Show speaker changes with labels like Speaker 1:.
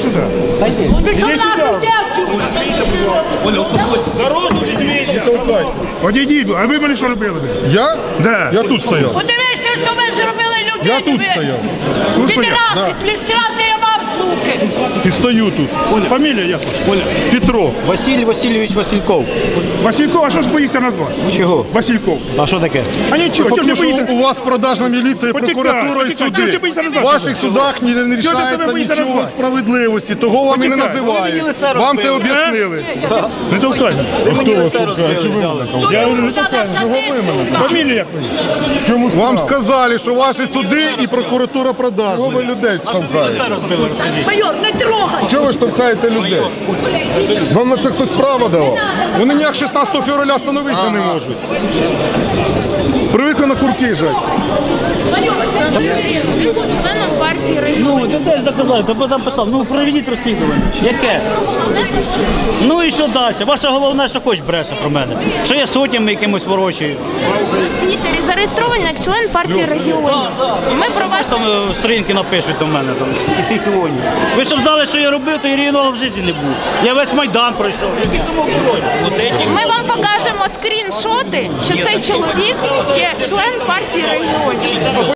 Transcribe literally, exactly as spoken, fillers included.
Speaker 1: сюда.
Speaker 2: Ты что нахуй
Speaker 3: Оля, успокойся.
Speaker 1: Дорогу, Одійдіть, а ви мене що робили?
Speaker 4: Я?
Speaker 1: Да.
Speaker 4: Я тут стояв.
Speaker 2: Подивіться, що ви зробили людині.
Speaker 4: Я тут стояв.
Speaker 1: Тут стояв?
Speaker 2: Підраси, підраси я вам, суки.
Speaker 4: І стою тут.
Speaker 1: Фамілія як?
Speaker 3: Оля,
Speaker 4: Петро.
Speaker 5: Василь Васильович Васильков.
Speaker 1: Васильков, а що ж боїшся назвати?
Speaker 5: Чого?
Speaker 1: Васильков.
Speaker 5: А що таке?
Speaker 1: А нічого, чого ж не
Speaker 4: Тому що
Speaker 1: боїшся?
Speaker 4: у вас продажна міліція,
Speaker 1: Почекай,
Speaker 4: прокуратура і
Speaker 1: почекай, чого ти
Speaker 4: суди.
Speaker 1: боїшся
Speaker 4: В
Speaker 1: назвати?
Speaker 4: ваших судах ні- не
Speaker 1: Чого ти себе
Speaker 4: рішається
Speaker 1: боїшся
Speaker 4: нічого
Speaker 1: назвати?
Speaker 4: справедливості, того вам і не
Speaker 1: Почекай.
Speaker 4: називають. Вам це об'яснили.
Speaker 1: Не толкай.
Speaker 5: Мені все розбили, взяли.
Speaker 1: Я говорю, не толкай. Чого ви мене? Фамілія як ви? Чому
Speaker 4: Вам сказали, що ваші суди і прокуратура продажні. Чого ви людей штовхаєте?
Speaker 5: Все розбили, розкажіть.
Speaker 2: Майор, не трогай.
Speaker 4: Чого ви штовхаєте людей? Вам на це хтось право давав? Вони ніяк шістнадцятого февраля встановитися не можуть. Привикли на курки жать.
Speaker 6: Він був членом партії регіонів.
Speaker 7: Ну, ти теж доказав, ти там писав, ну проведіть розслідування. Яке? Ну і що далі? Ваша головна, що хоч бреше про мене. Що я сотнями якимось ворочаю.
Speaker 6: Твіттері зареєстрований як член партії регіонів. Ми про вас
Speaker 7: Там е, сторінки напишуть до мене. Там. регіонів. Ви щоб знали, що я робив, то і регіоналом в житті не був. Я весь Майдан пройшов. Який самообороні?
Speaker 6: ми вам покажемо скріншоти, що цей чоловік є член партії регіонів.